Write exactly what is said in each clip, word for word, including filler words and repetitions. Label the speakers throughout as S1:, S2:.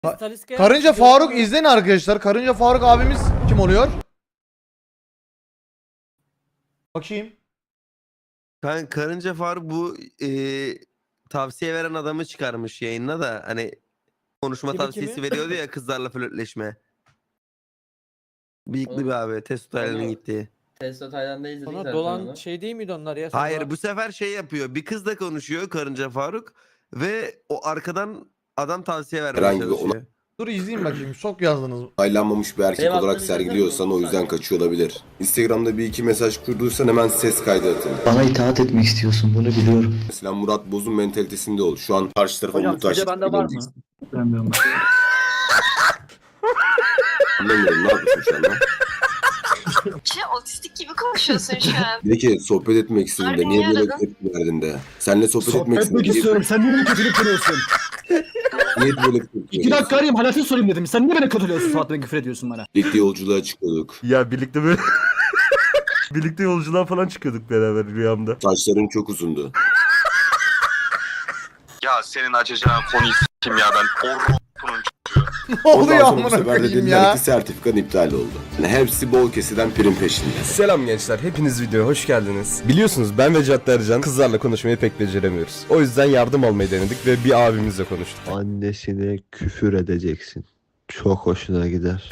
S1: Ka-
S2: Taliska'ya
S1: Karınca
S2: gidiyorum
S1: Faruk
S2: ama-
S1: izleyin arkadaşlar. Karınca Faruk abimiz kim oluyor? Bakayım.
S3: Kan Karınca Faruk bu e, tavsiye veren adamı çıkarmış yayında da hani konuşma
S2: Kimi,
S3: tavsiyesi
S2: kimi?
S3: veriyordu ya kızlarla flörtleşme. Bıyıklı
S4: Oğlum,
S3: bir abi Testo Taylan'ın
S4: onu-
S3: gittiği.
S4: Testo Tayland'da izledik
S2: Sonra
S4: zaten
S2: dolan
S4: onu.
S2: şey değil miydi onlar ya? Sonra...
S3: Hayır bu sefer şey yapıyor. Bir kızla konuşuyor Karınca Faruk ve o arkadan adam tavsiye vermeye
S5: Herhangi bir
S3: çalışıyor.
S1: Dur izleyin bakayım. Çok yazdınız.
S5: Aylanmamış bir erkek
S4: Benim
S5: olarak
S4: aklımda
S5: sergiliyorsan o
S4: zaten
S5: yüzden
S4: yok.
S5: kaçıyor olabilir. Instagram'da bir iki mesaj kurduysan hemen ses kaydı atın.
S6: Bana itaat etmek istiyorsun, bunu biliyorum.
S5: Mesela Murat Boz'un mentalitesinde ol. Şu an karşı tarafa
S7: Hocam
S5: muhtaç.
S7: sizce bende var mı? Bilmiyorum.
S5: Anlamıyorum, ne yapıyorsun şu anda?
S8: Şey, otistik gibi konuşuyorsun şu an.
S5: Bir ki sohbet etmek istediğinde
S8: Harbi
S5: niye
S8: niye
S5: böyle
S8: aradın?
S5: tepki verdin de? Seninle sohbet, etmek
S7: Sohbet etmek
S5: istediğinde
S7: istiyorum. Sen niye beni kötülük kırıyorsun?
S5: niye böyle tepki
S7: İki
S5: veriyorsun?
S7: dakika arayayım halatını sorayım dedim. Sen niye beni kötülüyorsun Fatih'e küfür ediyorsun bana?
S5: Birlikte yolculuğa çıkıyorduk.
S9: Ya birlikte böyle birlikte yolculuğa falan çıkıyorduk beraber rüyamda.
S5: Saçların çok uzundu.
S10: Ya senin açacağın konuyu s**tim ya ben. Orkun'un
S1: Ne
S5: Ondan
S1: oluyor
S5: sonra bu
S1: amına
S5: sefer de
S1: koyayım
S5: dediler
S1: ya?
S5: ki sertifikan iptal oldu. Yani hepsi bol keseden prim peşinde.
S9: Selam gençler, hepiniz videoya hoş geldiniz. Biliyorsunuz ben ve Cadde Ercan kızlarla konuşmayı pek beceremiyoruz. O yüzden yardım almayı denedik ve bir abimizle konuştuk.
S6: Annesine küfür edeceksin. Çok hoşuna gider.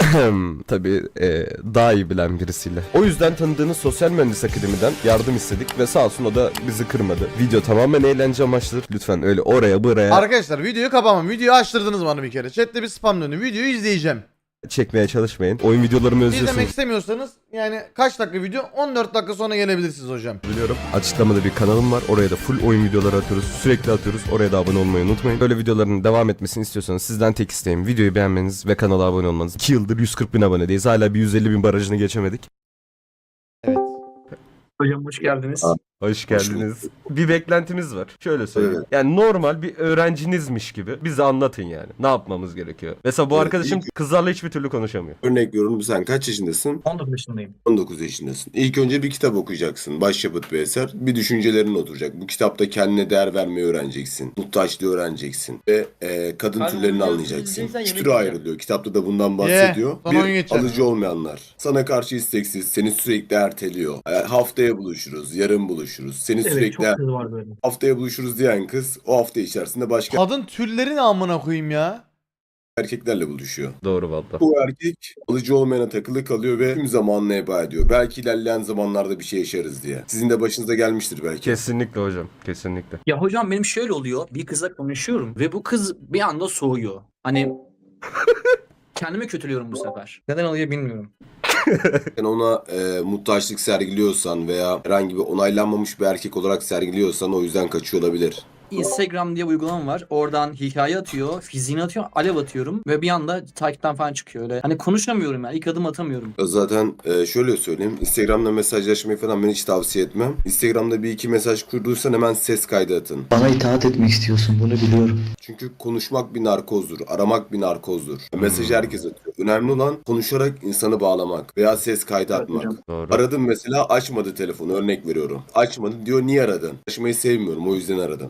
S9: Tabii e, daha iyi bilen birisiyle. O yüzden tanıdığınız Sosyal Mühendis Akademi'den yardım istedik ve sağ olsun o da bizi kırmadı. Video tamamen eğlence amaçlıdır. Lütfen öyle oraya buraya
S1: Arkadaşlar videoyu kapamam. Videoyu açtırdınız bana bir kere. Chat'te bir spam dönüyor. Videoyu izleyeceğim.
S9: çekmeye çalışmayın. Oyun videolarımı
S1: İzlemek
S9: özlüyorsunuz
S1: istemiyorsanız yani kaç dakika video? on dört dakika sonra gelebilirsiniz hocam.
S9: biliyorum. Açıklamada bir kanalım var. Oraya da full oyun videoları atıyoruz. Sürekli atıyoruz. Oraya da abone olmayı unutmayın. Böyle videoların devam etmesini istiyorsanız sizden tek isteğim videoyu beğenmeniz ve kanala abone olmanız. iki yıldır yüz kırk bin abonedeyiz. Hala bir yüz elli bin barajını geçemedik.
S1: Evet.
S7: Hocam hoş geldiniz.
S5: Aa.
S9: Hoş geldiniz. Bir beklentimiz var. Şöyle söyleyeyim.
S5: Evet.
S9: Yani normal bir öğrencinizmiş gibi bize anlatın yani. Ne yapmamız gerekiyor? Mesela bu
S5: Evet,
S9: arkadaşım
S5: ilk-
S9: kızlarla hiçbir türlü konuşamıyor.
S5: Örnek veriyorum, sen kaç yaşındasın?
S7: on dokuz yaşındayım.
S5: on dokuz yaşındasın. İlk önce bir kitap okuyacaksın. Başyapıt bir eser. Bir düşüncelerin oturacak. Bu kitapta kendine değer vermeyi öğreneceksin. Muhtaçlığı öğreneceksin. Ve e, kadın
S4: Kalbini
S5: türlerini
S4: biliyorsun,
S5: anlayacaksın.
S4: izleyeceksen
S5: Üç
S4: yemek
S5: türe
S4: yiyeceğim.
S5: ayrılıyor. Kitapta da bundan bahsediyor.
S1: Ye, sana oyun
S5: Bir,
S1: geçeceğim.
S5: alıcı olmayanlar. Sana karşı isteksiz. Seni sürekli erteliyor. E, haftaya buluşuruz. Yarın buluşuruz. Seni sürekli
S7: kız var böyle.
S5: haftaya buluşuruz diyen kız o hafta içerisinde başka
S1: Kadın türleri ne amına koyayım ya?
S5: erkeklerle buluşuyor.
S9: Doğru valla.
S5: Bu erkek alıcı olmayana takılı kalıyor ve tüm zamanını heba ediyor. Belki ilerleyen zamanlarda bir şey yaşarız diye. Sizin de başınıza gelmiştir belki.
S9: Kesinlikle hocam. Kesinlikle.
S7: Ya hocam benim şöyle oluyor. Bir kızla konuşuyorum ve bu kız bir anda soğuyor. Hani kendimi kötülüyorum bu sefer. Neden oluyor bilmiyorum.
S5: Sen ona e, muhtaçlık sergiliyorsan veya herhangi bir onaylanmamış bir erkek olarak sergiliyorsan o yüzden kaçıyor olabilir.
S7: Instagram diye bir uygulama var. Oradan hikaye atıyor, fiziğini atıyor, alev atıyorum ve bir anda takipten falan çıkıyor öyle. Hani konuşamıyorum yani. İlk adım atamıyorum.
S5: Zaten e, şöyle söyleyeyim. Instagram'da mesajlaşmayı falan ben hiç tavsiye etmem. Instagram'da bir iki mesaj kurduysan hemen ses kaydı atın.
S6: Bana itaat etmek istiyorsun, bunu biliyorum.
S5: Çünkü konuşmak bir narkozdur. Aramak bir narkozdur. Mesajı herkes atıyor. Önemli olan konuşarak insanı bağlamak veya ses kaydı atmak.
S9: Doğru.
S5: Aradım mesela, açmadı telefonu, örnek veriyorum. Açmadı diyor, niye aradın? Açmayı sevmiyorum, o yüzden aradım.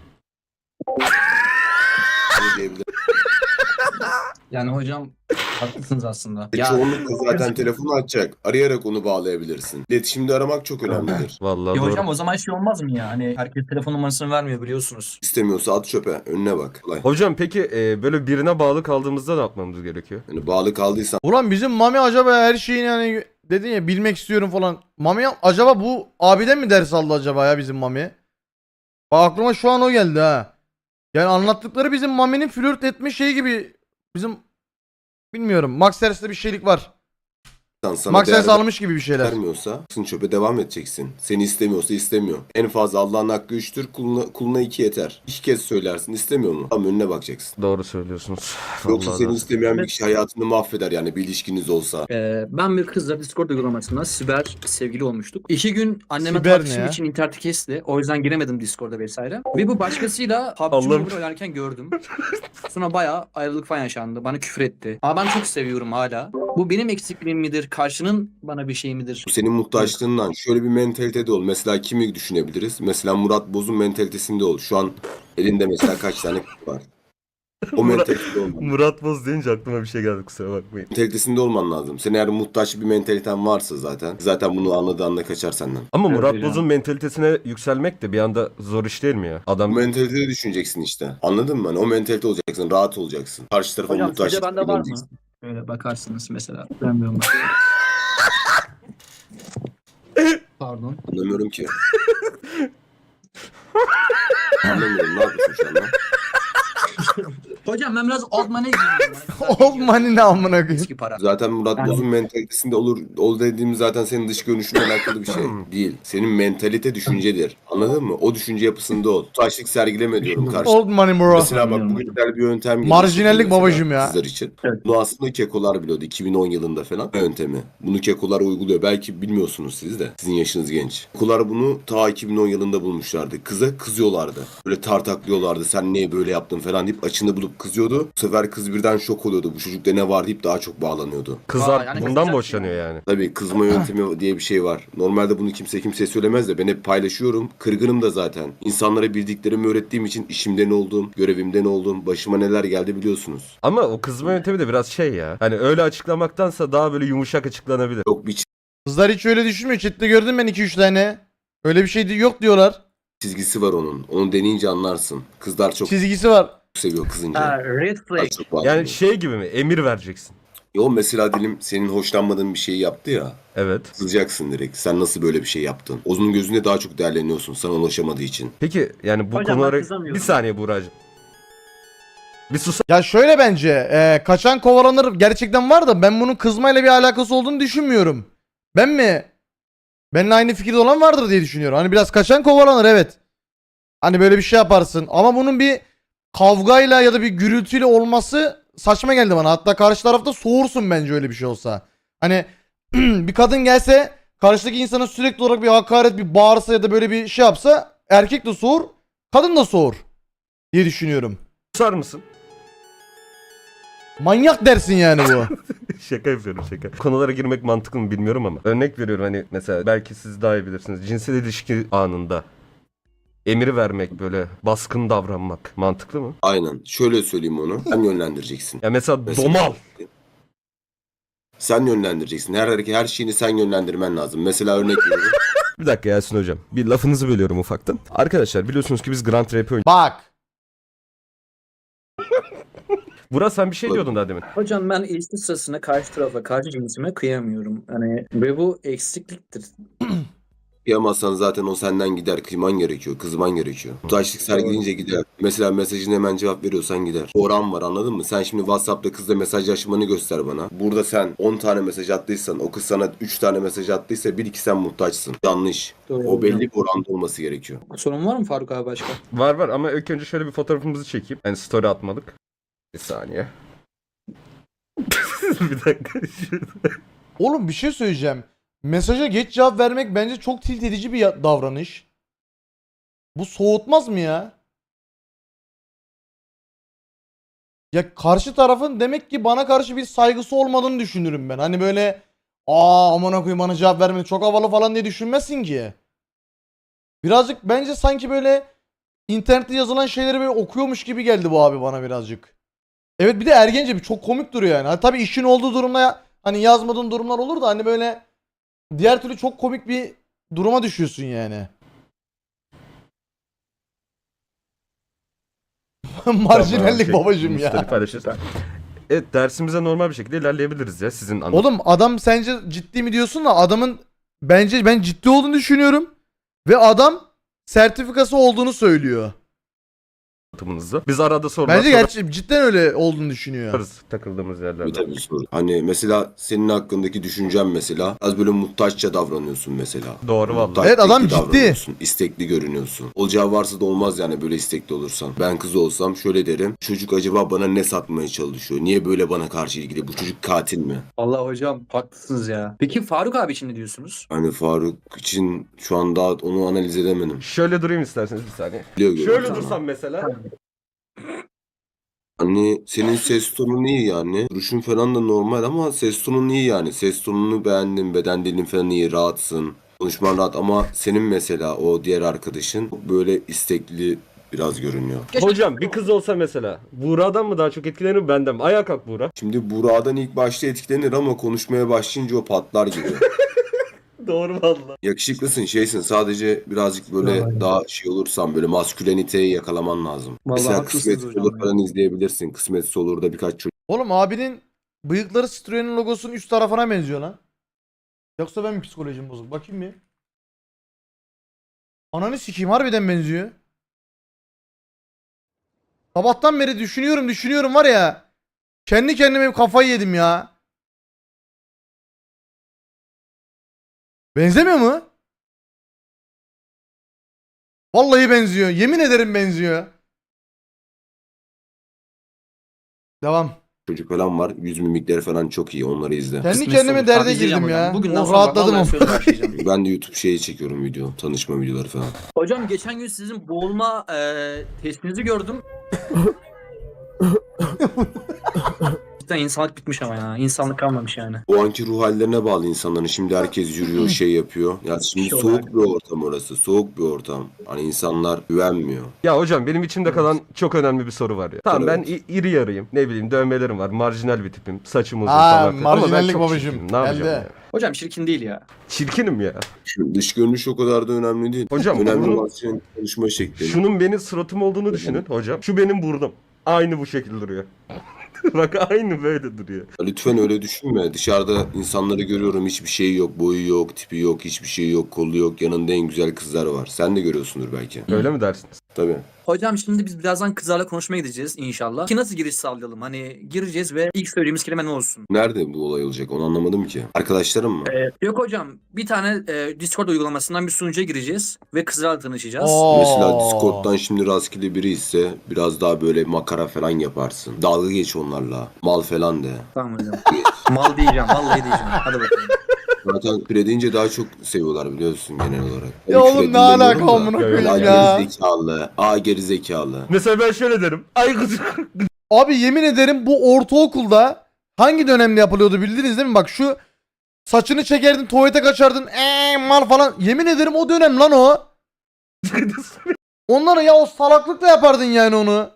S5: Bunu diyebilirim.
S7: Yani hocam haklısınız aslında.
S5: E, Çoğunlukla zaten telefonu açacak. Arayarak onu bağlayabilirsin. İletişimde aramak çok önemlidir.
S9: Vallahi
S7: Ya
S9: doğru.
S7: hocam o zaman şey olmaz mı ya? Hani herkes telefon numarasını vermiyor biliyorsunuz.
S5: İstemiyorsa at çöpe, önüne bak. Kolay.
S9: Hocam peki e, böyle birine bağlı kaldığımızda ne yapmamız gerekiyor?
S5: Yani bağlı kaldıysan
S1: Ulan bizim Mami acaba her şeyini hani dedin ya bilmek istiyorum falan. Mami acaba bu abiden mi ders aldı acaba ya bizim Mami? Bak aklıma şu an o geldi ha. Yani anlattıkları bizim Mami'nin flört etme şeyi gibi bizim bilmiyorum. Max Ters'te bir şeylik var.
S5: sana
S1: Max
S5: değer
S1: Ters almış gibi bir şeyler.
S5: vermiyorsa sen çöpe devam edeceksin. Seni istemiyorsa istemiyor. En fazla Allah'ın hakkı üçtür, kuluna, kuluna iki yeter. İki kez söylersin, istemiyor mu? Tam önüne bakacaksın.
S9: Doğru söylüyorsunuz.
S5: Yoksa
S9: Vallahi
S5: seni
S9: doğru.
S5: istemeyen bir kişi hayatını mahveder yani bir ilişkiniz olsa.
S7: Ee, ben bir kızla Discord uygulamasında siber sevgili olmuştuk. İki gün anneme
S1: Siber ne
S7: tartışım
S1: ya?
S7: için interneti kesti. O yüzden giremedim Discord'a vesaire. Ve bu başkasıyla P U B G
S9: Allah'ım.
S7: Mobile oynarken gördüm. Sonra bayağı ayrılık falan yaşandı. Bana küfür etti. Ama ben çok seviyorum hala. Bu benim eksikliğim midir? Karşının bana bir şey midir?
S5: Bu senin muhtaçlığından şöyle bir mentalitede ol. Mesela kimi düşünebiliriz? Mesela Murat Boz'un mentalitesinde ol. Şu an elinde mesela kaç tane kız var? O mentalitede olman.
S9: Murat Boz deyince aklıma bir şey geldi, kusura bakmayın.
S5: Mentalitesinde olman lazım. Senin eğer muhtaç bir mentaliten varsa zaten. Zaten bunu anladığı anda kaçar senden.
S9: Ama
S7: Evet,
S9: Murat
S7: öyle.
S9: Boz'un mentalitesine yükselmek de bir anda zor iş değil mi ya?
S5: O
S9: Adam
S5: mentalitede düşüneceksin işte. Anladın mı? Hani o mentalite olacaksın. Rahat olacaksın. Karşı tarafa
S7: Hocam
S5: muhtaç
S7: sizce bende var mı?
S5: olmayacaksın.
S7: Böyle bakarsınız mesela. Bilmiyorum. Pardon.
S5: Anlamıyorum ki. Anlamıyorum. Ne yapıyorsun şu anda?
S7: Hocam ben biraz old money giyiyorum.
S1: Old money ne amına koyayım?
S7: Eski para.
S5: Zaten Murat
S7: Yani-
S5: Boz'un mentalitesinde olur. Ol dediğim zaten senin dış görünüşünle alakalı bir şey değil. Senin mentalite düşüncedir. Anladın mı? O düşünce yapısında ol. Taşlık sergileme diyorum karşı.
S1: Old money bro.
S5: Mesela bak bugün güzel bir yöntem geliştirdim
S1: Marjinallik
S5: mesela
S1: babacım ya.
S5: Sizler için.
S7: Evet.
S5: Bunu aslında kekolar biliyordu iki bin on yılında falan yöntemi. Bunu kekolar uyguluyor. Belki bilmiyorsunuz siz de. Sizin yaşınız genç. Kekolar bunu ta iki bin on yılında bulmuşlardı. Kıza kızıyorlardı. Böyle tartaklıyorlardı. Sen niye böyle yaptın falan deyip açını bulup kızıyordu. Bu sefer kız birden şok oluyordu. Bu çocukta ne var deyip daha çok bağlanıyordu.
S9: kızlar
S7: Vay, yani
S9: bundan
S7: kızacak
S9: boşanıyor yani.
S5: Tabii kızma yöntemi diye bir şey var. Normalde bunu kimse kimseye söylemez de ben hep paylaşıyorum. Kırgınım da zaten. İnsanlara bildiklerimi öğrettiğim için işimden oldum, görevimden oldum. Başıma neler geldi biliyorsunuz.
S9: Ama o kızma yöntemi de biraz şey ya. Hani öyle açıklamaktansa daha böyle yumuşak açıklanabilir.
S5: Yok bir
S1: Kızlar hiç öyle düşünmüyor. Chat'te gördüm ben iki üç tane. Öyle bir şey yok diyorlar.
S5: çizgisi var onun. Onu deneyince anlarsın. Kızlar çok
S1: Çizgisi var.
S5: seviyor kızınca.
S7: Ha, red
S5: Daha
S7: flag.
S5: çok bağlanıyor.
S9: Yani şey gibi mi? Emir vereceksin.
S5: Yo mesela dilim senin hoşlanmadığın bir şeyi yaptı ya.
S9: Evet.
S5: Kızacaksın direkt. Sen nasıl böyle bir şey yaptın? Onun gözünde daha çok değerleniyorsun sana ulaşamadığı için.
S9: Peki yani bu
S7: Hocam ben
S9: konulara...
S7: kızamıyorum.
S9: Bir saniye Buğra'cığım. Bir sus.
S1: Ya şöyle bence e, kaçan kovalanır gerçekten var da ben bunun kızmayla bir alakası olduğunu düşünmüyorum. Ben mi? Benimle aynı fikirde olan vardır diye düşünüyorum. Hani biraz kaçan kovalanır evet. Hani böyle bir şey yaparsın ama bunun bir kavgayla ya da bir gürültüyle olması saçma geldi bana. Hatta karşı tarafta soğursun bence öyle bir şey olsa. Hani bir kadın gelse karşıdaki insana sürekli olarak bir hakaret, bir bağırsa ya da böyle bir şey yapsa erkek de soğur, kadın da soğur diye düşünüyorum.
S9: Susar mısın?
S1: Manyak dersin yani bu.
S9: Şaka yapıyorum şaka. Konulara girmek mantıklı mı bilmiyorum ama. Örnek veriyorum hani mesela belki siz daha iyi bilirsiniz. Cinsel ilişki anında emir vermek böyle baskın davranmak mantıklı mı?
S5: Aynen. Şöyle söyleyeyim onu. Sen yönlendireceksin.
S9: Ya mesela,
S5: Mesela-
S9: domal.
S5: Sen yönlendireceksin. Her hareket, her şeyini sen yönlendirmen lazım. Mesela örnek veriyorum.
S9: Bir dakika Yasin hocam. Bir lafınızı bölüyorum ufaktan. Arkadaşlar biliyorsunuz ki biz Grand Rap oynuyoruz.
S1: Bak.
S9: Burak sen bir şey diyordun daha demin.
S7: Hocam ben ilişki sırasında karşı tarafa, karşı cinsime kıyamıyorum. Hani ve bu eksikliktir.
S5: Kıyamazsan zaten o senden gider. Kıyman gerekiyor. Kızman gerekiyor. Muhtaçlık sergileyince gider. Mesela mesajına hemen cevap veriyorsan gider. Oran var anladın mı? Sen şimdi WhatsApp'ta kızla mesajlaşmanı göster bana. Burada sen on tane mesaj attıysan o kız sana üç tane mesaj attıysa bir iki sen muhtaçsın. Yanlış.
S7: Doğru
S5: O belli
S7: hocam.
S5: bir oranda olması gerekiyor.
S7: Sorun var mı Faruk abi başka?
S9: Var var ama ilk önce şöyle bir fotoğrafımızı çekeyim. Yani story atmalık. Bir saniye. Bir dakika.
S1: Oğlum bir şey söyleyeceğim. Mesaja geç cevap vermek bence çok tilt edici bir ya- davranış. Bu soğutmaz mı ya? Ya karşı tarafın demek ki bana karşı bir saygısı olmadığını düşünürüm ben. Hani böyle aa aman koyayım bana cevap vermedi çok havalı falan diye düşünmezsin ki. Birazcık bence sanki böyle internette yazılan şeyleri böyle okuyormuş gibi geldi bu abi bana birazcık. Evet bir de ergence bir çok komik duruyor yani. Ha, tabii işin olduğu durumda ya, hani yazmadığın durumlar olur da hani böyle diğer türlü çok komik bir duruma düşüyorsun yani. Marjinallik
S9: Tamam,
S1: babacım
S9: şey,
S1: ya.
S9: story paylaşırız. Evet dersimize normal bir şekilde ilerleyebiliriz ya sizin anlatım.
S1: Oğlum adam sence ciddi mi diyorsun da adamın bence ben ciddi olduğunu düşünüyorum. Ve adam sertifikası olduğunu söylüyor.
S9: anlatımınızda. Biz arada sorular
S1: Bence gerçi cidden öyle olduğunu düşünüyor.
S9: sorarız takıldığımız
S5: Tabii
S9: yerlerde.
S5: tabii soru. Hani mesela senin hakkındaki düşüncen mesela az böyle muhtaçça davranıyorsun mesela.
S9: Doğru vallahi.
S5: Muhtaç
S1: Evet, adam
S5: bekli
S1: ciddi.
S5: davranıyorsun, İstekli görünüyorsun. Olacağı varsa da olmaz yani böyle istekli olursan. Ben kız olsam şöyle derim. Çocuk acaba bana ne satmaya çalışıyor? Niye böyle bana karşı ilgili? Bu çocuk katil mi?
S7: Allah hocam haklısınız ya. Peki Faruk abi için ne diyorsunuz?
S5: Hani Faruk için şu an daha onu analiz edemedim.
S9: Şöyle durayım isterseniz bir saniye.
S5: Biliyor görüyorum.
S9: Şöyle dursam mesela.
S5: Hani senin ses tonun iyi yani. Duruşun falan da normal ama ses tonun iyi yani. Ses tonunu beğendim. Beden dilin falan iyi. Rahatsın. Konuşman rahat ama senin mesela o diğer arkadaşın böyle istekli biraz görünüyor.
S9: Hocam bir kız olsa mesela Buğra'dan mı daha çok etkilenir benden mi? Ayağa kalk Buğra.
S5: Şimdi Burak'dan ilk başta etkilenir ama konuşmaya başlayınca o patlar gibi.
S9: Doğru valla.
S5: Yakışıklısın, şeysin, sadece birazcık böyle daha şey olursan böyle masküleniteyi yakalaman lazım.
S7: Vallahi
S5: Mesela
S7: haklısınız
S5: Kısmet
S7: hocam
S5: Olur
S7: ya.
S5: falan izleyebilirsin. Kısmet Olur'da birkaç çocuk
S1: Oğlum abinin bıyıkları Citroen'in logosunun üst tarafına benziyor lan. Yoksa ben mi psikolojim bozuk? Bakayım bir. Ananı sikeyim, harbiden benziyor. Sabahtan beri düşünüyorum düşünüyorum var ya. Kendi kendime kafayı yedim ya. Benzemiyor mu? Vallahi benziyor. Yemin ederim benziyor. Devam.
S5: çocuk falan var. Yüz mimikleri falan çok iyi. Onları izle.
S1: Kendi
S7: Kısmet
S1: kendime
S7: olur.
S1: derde
S7: Tabii izleyeceğim
S1: girdim
S7: hocam.
S1: ya.
S7: Bugünden
S1: Oh,
S7: sonra
S1: rahatladım.
S7: vallahi söz başlayacağım.
S5: Ben de YouTube şeyi çekiyorum video. Tanışma videoları falan.
S7: Hocam geçen gün sizin boğulma e, testinizi gördüm. Cidden insanlık bitmiş ama ya. İnsanlık kalmamış yani.
S5: O anki ruh hallerine bağlı insanların. Şimdi herkes yürüyor, şey yapıyor. Ya şimdi
S7: Şey
S5: soğuk
S7: olarak.
S5: bir ortam orası. Soğuk bir ortam. Hani insanlar güvenmiyor.
S9: Ya hocam benim içimde kalan çok önemli bir soru var ya. Tamam ben
S5: Evet.
S9: i- iri yarıyım. Ne bileyim dövmelerim var. Marjinal bir tipim. Saçım uzun
S1: Aa,
S9: falan filan. Ama ben
S1: marjinallik
S9: çok
S1: babacım.
S9: çirkinim. Ne yapacağım
S1: Geldi.
S9: ya?
S7: Hocam çirkin değil ya.
S9: Çirkinim ya.
S5: Şimdi dış görünüş o kadar da önemli değil.
S9: Hocam,
S5: önemli
S9: bunu-
S5: olan senin konuşma şeklin.
S9: Şunun benim suratım olduğunu düşünün hocam. Şu benim burnum. Aynı bu şekilde duruyor. Bak aynı böyle duruyor.
S5: Lütfen öyle düşünme. Dışarıda insanları görüyorum. Hiçbir şey yok. Boyu yok, tipi yok, hiçbir şey yok, kolu yok. Yanında en güzel kızlar var. Sen de görüyorsundur belki.
S9: Öyle mi dersiniz?
S5: Tabii.
S7: Hocam şimdi biz birazdan kızlarla konuşmaya gideceğiz inşallah. Ki nasıl giriş sağlayalım? Hani gireceğiz ve ilk söylediğimiz kelime ne olsun?
S5: Nerede bu olay olacak? Onu anlamadım ki. Arkadaşlarım mı?
S7: Ee, yok hocam bir tane e, Discord uygulamasından bir sunucuya gireceğiz ve kızlarla tanışacağız.
S1: Oo.
S5: Mesela Discord'dan şimdi rastgele biri ise biraz daha böyle makara falan yaparsın. Dalga geç onlarla. Mal falan de.
S7: Tamam hocam. Mal diyeceğim vallahi diyeceğim. Hadi bakalım.
S5: Zaten küre deyince daha çok seviyorlar biliyorsun genel olarak.
S1: Ya
S5: Hani
S1: oğlum
S5: küre
S1: ne alaka
S5: dinlemiyorum da.
S1: amına
S9: Ya,
S1: koyayım
S5: Aa
S1: ya.
S5: gerizekalı. Aa gerizekalı.
S9: Mesela ben şöyle derim. Ay kız.
S1: Abi yemin ederim bu ortaokulda hangi dönemde yapılıyordu bildiniz değil mi? Bak şu saçını çekerdin tuvalete kaçardın eee mal falan. Yemin ederim o dönem lan o. Onları ya o salaklıkla yapardın yani onu.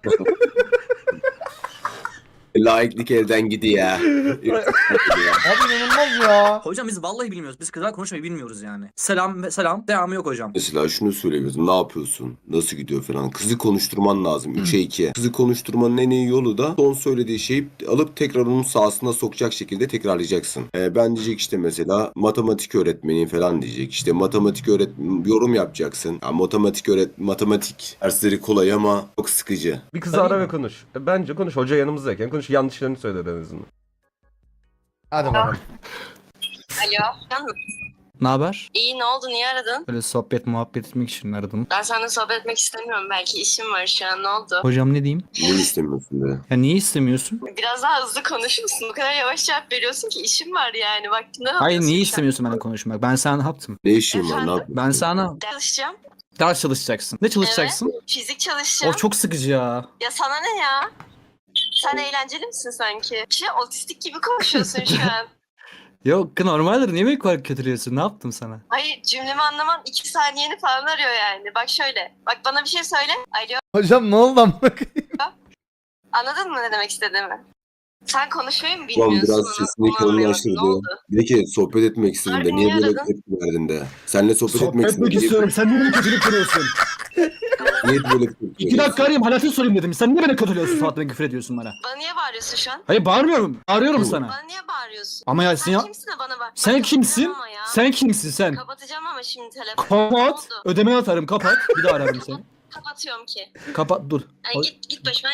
S5: Laiklik elden gidiyor.
S1: Abi inanılmaz ya.
S7: Hocam biz vallahi bilmiyoruz. Biz kızlarla konuşmayı bilmiyoruz yani. Selam ve selam. Devamı yok hocam.
S5: Mesela şunu söyleyebiliriz. Ne yapıyorsun? Nasıl gidiyor falan. Kızı konuşturman lazım. üçe iki. Kızı konuşturmanın en iyi yolu da son söylediği şeyi alıp tekrar onun sahasına sokacak şekilde tekrarlayacaksın. Ee, ben diyecek işte mesela matematik öğretmeni falan diyecek. İşte matematik öğret yorum yapacaksın. Ya, matematik öğret matematik dersleri kolay ama çok sıkıcı.
S9: Bir kızı
S7: Tabii
S9: ara
S7: mi?
S9: ve konuş. E, Bence konuş. Hoca yanımızdayken konuş. Yanlışlarını söyle en azından.
S1: Hadi bakalım.
S8: Alo. Can mı?
S7: Ne haber?
S8: İyi, ne oldu? Niye aradın?
S7: Böyle sohbet muhabbet etmek için aradım.
S8: Ben seninle sohbet etmek istemiyorum. Belki işim var şu an. Ne oldu?
S7: Hocam ne diyeyim?
S5: Ne istemiyorsun be?
S7: Ya niye istemiyorsun?
S8: Biraz daha hızlı konuşur musun? Bu kadar yavaş cevap veriyorsun ki işim var yani. Vaktinde ne
S7: Hayır
S8: yapıyorsun
S7: niye
S8: şu an?
S7: istemiyorsun benimle konuşmak? Ben sana ne yaptım?
S5: Ne işin var? Ne
S8: Efendim?
S5: yapıyorsun?
S7: Ben sana
S8: Ders çalışacağım.
S7: ders çalışacaksın. Ne çalışacaksın?
S8: Fizik
S7: O
S8: çalışacağım.
S7: çok sıkıcı ya.
S8: Ya sana ne ya? Sen eğlenceli misin sanki? Şey, otistik gibi konuşuyorsun şu an.
S7: Yok normaldir. Niye beni kadar kötülüyorsun? Ne yaptım sana?
S8: Hayır, cümlemi anlamam iki saniyeni falan arıyor yani. Bak şöyle. Bak bana bir şey söyle. Alo.
S1: Hocam ne oldu amına koyayım?
S8: Anladın mı ne demek istediğimi? Sen konuşmayı mı
S5: Ulan
S8: bilmiyorsun?
S5: biraz
S8: Onu-
S5: sesini
S8: onu anlayamadım.
S5: kalınlaştırdı.
S8: Ne oldu?
S5: Bir de ki sohbet etmek istedin de
S8: Harbi
S5: niye
S8: niye
S5: böyle
S8: aradın?
S5: tepki verdin de? Seninle sohbet, etmek istedin.
S2: etmek istiyorum. Sen niye beni kötülük kırıyorsun?
S5: Niye böyle tepki
S2: İki
S5: veriyorsun?
S2: dakika arayayım halatını sorayım dedim. Sen niye beni kötülüyorsun Fatma küfür ediyorsun bana?
S8: Bana niye bağırıyorsun şu an?
S2: Hayır bağırmıyorum. Arıyorum sana.
S8: Bana niye bağırıyorsun?
S2: Ama ya
S8: Sen
S2: sen ya...
S8: kimsin de bana bağır?
S2: Sen
S8: Bak,
S2: kimsin?
S8: kapatacağım ama ya.
S2: Sen kimsin sen?
S8: Kapatacağım ama şimdi telefonu. Ne
S2: Kapat.
S8: oldu?
S2: Ödeme atarım kapat. Bir daha ararım seni.
S8: Kapatıyorum ki.
S2: Kapat dur.
S8: Ay, git git başıma.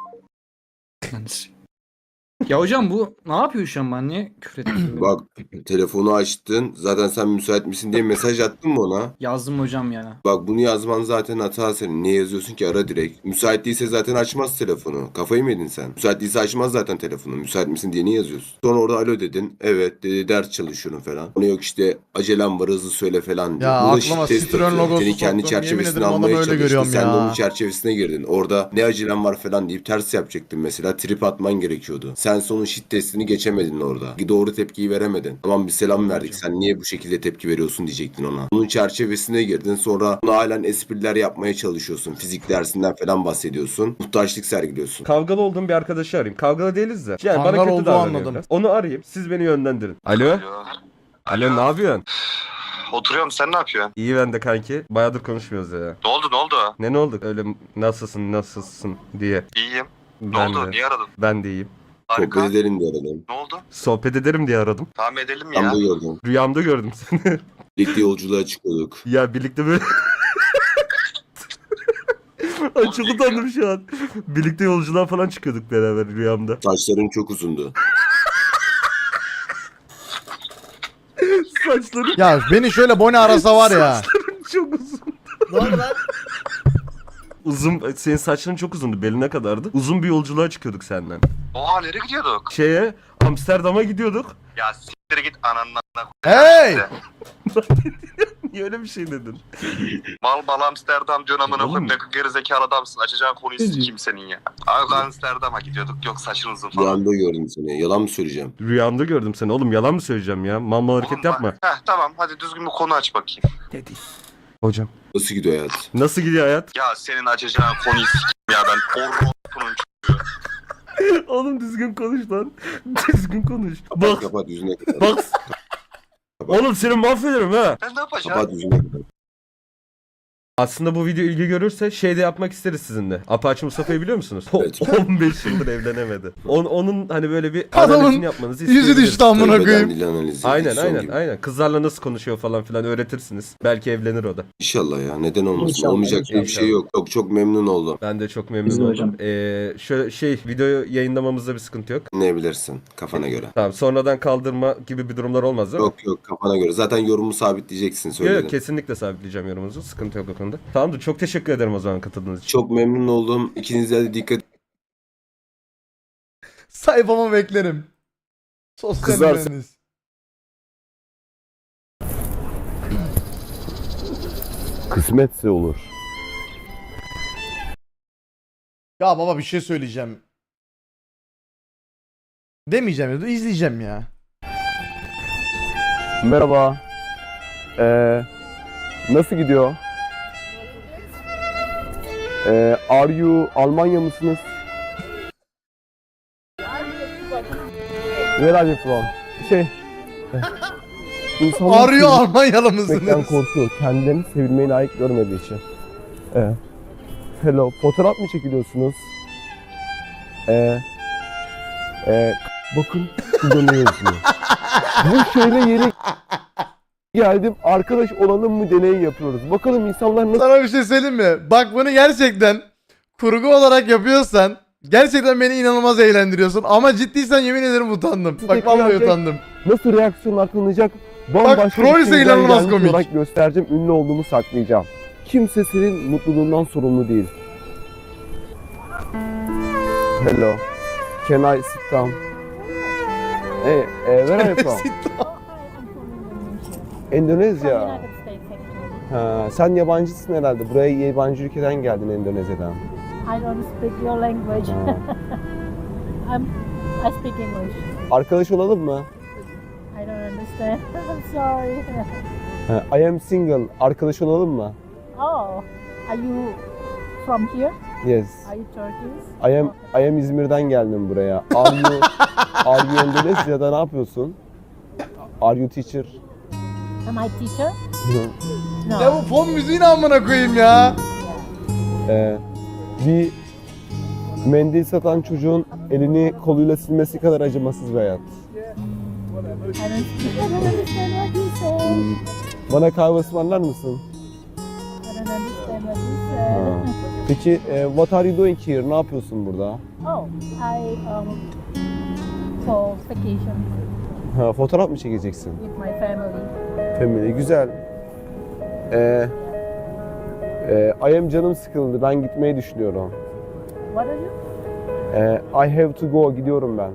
S7: Ya hocam bu ne yapıyor şu an ben niye küfür ettim?
S5: Bak telefonu açtın. Zaten sen müsait misin diye mesaj attın mı ona?
S7: Yazdım hocam ya.
S5: Bak bunu yazman zaten hata senin. Niye yazıyorsun ki? Ara direkt. Müsait değilse zaten açmaz telefonu. Kafayı mı yedin sen? Müsait değilse açmaz zaten telefonu. Müsait misin diye niye yazıyorsun? Sonra orada alo dedin. Evet dedi ders çalışıyorum falan. Ona yok işte acelem var hızlı söyle falan diyor.
S1: Ya
S5: Bu da
S1: aklıma
S5: test
S1: Citroen
S5: atıyor.
S1: logosu
S5: Seni kendi
S1: soktum. Yemin
S5: çerçevesine
S1: ederim adamı
S5: almaya
S1: öyle
S5: çalıştı.
S1: görüyorum
S5: Sen de
S1: ya.
S5: onun çerçevesine girdin. Orada ne acelem var falan deyip ters yapacaktın mesela. Trip atman gerekiyordu. Sen Sen sonun shit testini geçemedin orada. Doğru tepkiyi veremedin. Tamam bir selam verdik. Sen niye bu şekilde tepki veriyorsun diyecektin ona. Bunun çerçevesine girdin. Sonra ona halen espriler yapmaya çalışıyorsun. Fizik dersinden falan bahsediyorsun. Muhtaçlık sergiliyorsun.
S9: Kavgalı olduğum bir arkadaşı arayayım. Kavgalı değiliz de. Yani
S1: Kangal
S9: bana kötü
S1: olduğu
S9: davranıyor
S1: anladım.
S9: biraz. Onu arayayım. Siz beni yönlendirin. Alo?
S10: Alo.
S9: Alo ne yapıyorsun?
S10: Oturuyorum, sen ne yapıyorsun?
S9: İyi ben de kanki. Bayağıdır konuşmuyoruz ya.
S10: Ne oldu ne oldu?
S9: Ne ne oldu? Öyle nasılsın nasılsın diye.
S10: İyiyim. Ne
S9: Ben
S10: oldu?
S9: de.
S10: Niye aradın?
S9: Ben de iyiyim.
S10: Harika.
S5: Sohbet edelim diye aradım.
S10: Ne oldu?
S9: Sohbet ederim diye aradım.
S10: Tamam edelim
S5: Ben
S10: ya.
S5: de gördüm.
S9: Rüyamda gördüm seni.
S5: Birlikte yolculuğa çıkıyorduk.
S9: Ya birlikte böyle... Ay çok utandım şu an. Birlikte yolculuğa falan çıkıyorduk beraber rüyamda.
S5: Saçların çok uzundu.
S9: Saçları
S1: Ya beni şöyle Boni arasa var ya.
S9: çok uzun.
S1: Ne oldu lan?
S9: Uzun, senin saçların çok uzundu, beline kadardı. Uzun bir yolculuğa çıkıyorduk senden.
S10: Oha nereye gidiyorduk?
S9: Şeye, Amsterdam'a gidiyorduk.
S10: Ya siktir git ananla.
S1: Hey!
S9: Niye öyle bir şey dedin?
S10: Mal mal Amsterdam diyorsun amına
S9: Oğlum.
S10: koyayım. Ne gerizekalı adamsın. Açacağın konuyu sikeyim senin ya. Abi Amsterdam'a gidiyorduk. Yok saçın uzun
S5: Bir
S10: falan.
S5: anda gördüm seni. Yalan mı söyleyeceğim?
S9: Rüyamda gördüm seni. Oğlum yalan mı söyleyeceğim ya? Mal mal hareket
S10: Oğlum bak-
S9: yapma.
S10: Heh tamam hadi düzgün bir konu aç bakayım.
S9: Dedi. Hocam.
S5: Nasıl gidiyor hayat?
S9: Nasıl gidiyor hayat?
S10: Ya senin açacağın konuyu sikeyim ya ben. Orropunun
S9: Oğlum düzgün konuş lan. Düzgün konuş.
S5: Kapat
S9: Bak.
S5: kapat yüzüne kapat.
S9: Bak. Oğlum seni mahvederim ha.
S10: Ben ne yapacağım?
S5: Kapat yüzüne kapat.
S9: Aslında bu video ilgi görürse şey de yapmak isteriz sizinle. Apache Mustafa'yı biliyor musunuz?
S5: Evet.
S9: on beş yıldır evlenemedi. On, onun hani böyle bir
S1: Adamın
S9: analizini yapmanızı
S1: Yüzü
S9: isteyebiliriz.
S1: düştü amına
S5: Tövbeden
S1: koyayım.
S5: dil analizi.
S9: Aynen
S5: Son
S9: aynen
S5: gibi.
S9: aynen. Kızlarla nasıl konuşuyor falan filan öğretirsiniz. Belki evlenir o da.
S5: İnşallah ya. Neden olmasın?
S7: İnşallah,
S5: Olmayacak diye bir
S9: inşallah.
S5: şey yok. Çok çok memnun oldum.
S9: Ben de çok
S7: Biz
S9: memnun
S7: de
S9: oldum.
S7: hocam.
S9: Ee, şöyle şey videoyu yayınlamamızda bir sıkıntı yok.
S5: Ne bilirsin kafana göre.
S9: Tamam sonradan kaldırma gibi bir durumlar olmaz değil mi?
S5: Yok yok kafana göre. Zaten yorumu sabitleyeceksin
S9: Yok
S5: söyledim.
S9: yok kesinlikle sabitleyeceğim yorumunuzu. Sıkıntı yok o konuda. Tamamdır çok teşekkür ederim o zaman katıldığınız için.
S5: Çok memnun oldum. İkinize de dikkat
S1: Sayfama beklerim. Sosyal
S5: Kızlar-
S1: mühendis.
S6: Kısmetse olur.
S1: Ya baba bir şey söyleyeceğim. Demeyeceğim ya, izleyeceğim ya.
S6: Merhaba. Ee, nasıl gidiyor? Ee, are you Almanya mısınız? Where are you from? Şey... İnsanlar
S1: Arıyor Almanyalı
S6: sevmekten
S1: mısınız?
S6: korkuyor. Kendilerini sevilmeyi layık görmediği için. Ee, hello. Fotoğraf mı çekiliyorsunuz? Ee, e, bakın burada ne yazıyor? Bu şehre yeni geldim. Arkadaş olalım mı deneyi yapıyoruz. Bakalım insanlar nasıl
S1: Sana bir şey söyleyeyim mi? Bak bunu gerçekten kurgu olarak yapıyorsan gerçekten beni inanılmaz eğlendiriyorsun ama ciddiysen yemin ederim utandım. Bak vallahi
S6: Gerçek-
S1: utandım.
S6: nasıl reaksiyonlar tanınacak?
S1: Bak,
S6: Bambaşka
S1: troll
S6: bir
S1: ise
S6: şeyden
S1: inanılmaz
S6: gelmiş
S1: komik.
S6: olarak göstereceğim. Ünlü olduğumu saklayacağım. Kimse senin mutluluğundan sorumlu değil. Hello. Can I sit down? Hey, eh, where are you from? Endonezya. Ha, sen yabancısın herhalde. Buraya yabancı ülkeden geldin Endonezya'dan.
S4: I don't speak your language.
S6: Ha.
S4: I'm, I speak English.
S6: Arkadaş olalım mı?
S4: I don't understand. I'm sorry.
S6: Ha, I am single. Arkadaş olalım mı?
S4: Oh, are you from here?
S6: Yes.
S4: Are you Turkish?
S6: I am, I am İzmir'den geldim buraya. Are you, are you Endonezya'da ne yapıyorsun? Are you teacher?
S4: Am I teacher?
S6: Hı.
S1: Ya
S4: No.
S1: bu fon müziğini amına koyayım ya.
S6: Ee, bir mendil satan çocuğun elini koluyla silmesi kadar acımasız bir hayat.
S4: I don't speak. I don't understand what you say.
S6: Hmm, Bana kahve ısmarlar mısın?
S4: I don't understand what you
S6: Ha.
S4: say.
S6: Peki, e, what are you doing here? Ne yapıyorsun burada?
S4: Oh, I um for vacation
S6: Ha, fotoğraf mı çekeceksin?
S4: with my family.
S6: Family, güzel. Ee, e, I am canım sıkıldı. Ben gitmeyi düşünüyorum.
S4: What are you?
S6: Ee, I have to go. Gidiyorum ben.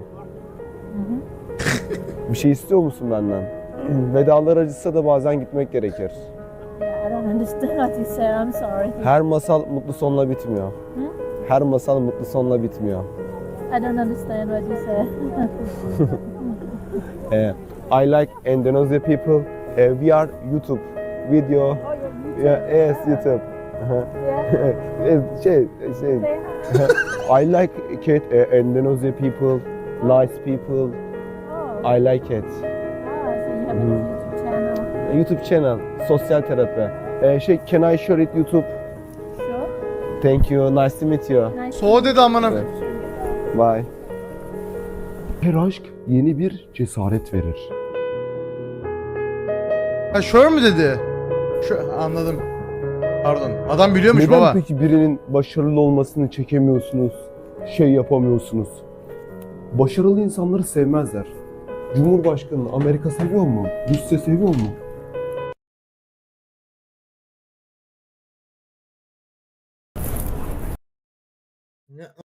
S6: Bir şey istiyor musun benden? Vedalar acısa da bazen gitmek gerekir.
S4: Yeah, I don't understand what you said. I'm sorry.
S6: Her masal mutlu sonla bitmiyor.
S4: Hı?
S6: Her masal mutlu sonla bitmiyor.
S4: I don't understand what you said.
S6: Eh, I like Indonesia people. Eh, we are YouTube video.
S4: Oh, you're YouTube.
S6: Yeah, yes, YouTube. Uh-huh.
S4: Yeah.
S6: Eh, şey, şey.
S4: Say hi.
S6: I like it. eh, Indonesia people, nice people.
S4: Oh.
S6: I like it.
S4: Ah, so you have a
S6: Mhm.
S4: YouTube channel.
S6: YouTube channel, sosyal terapi. Eh, şey, can I share it YouTube?
S4: Sure.
S6: Thank you, nice to meet you.
S4: Nice.
S1: So dedi amına.
S6: Evet. Bye. Her aşk yeni bir cesaret verir.
S1: Ha şöyle mü dedi? Şu anladım. Pardon. Adam biliyormuş
S6: Neden
S1: baba.
S6: peki birinin başarılı olmasını çekemiyorsunuz, şey yapamıyorsunuz? Başarılı insanları sevmezler. Cumhurbaşkanı Amerika seviyor mu? Rusya seviyor mu?
S11: Ne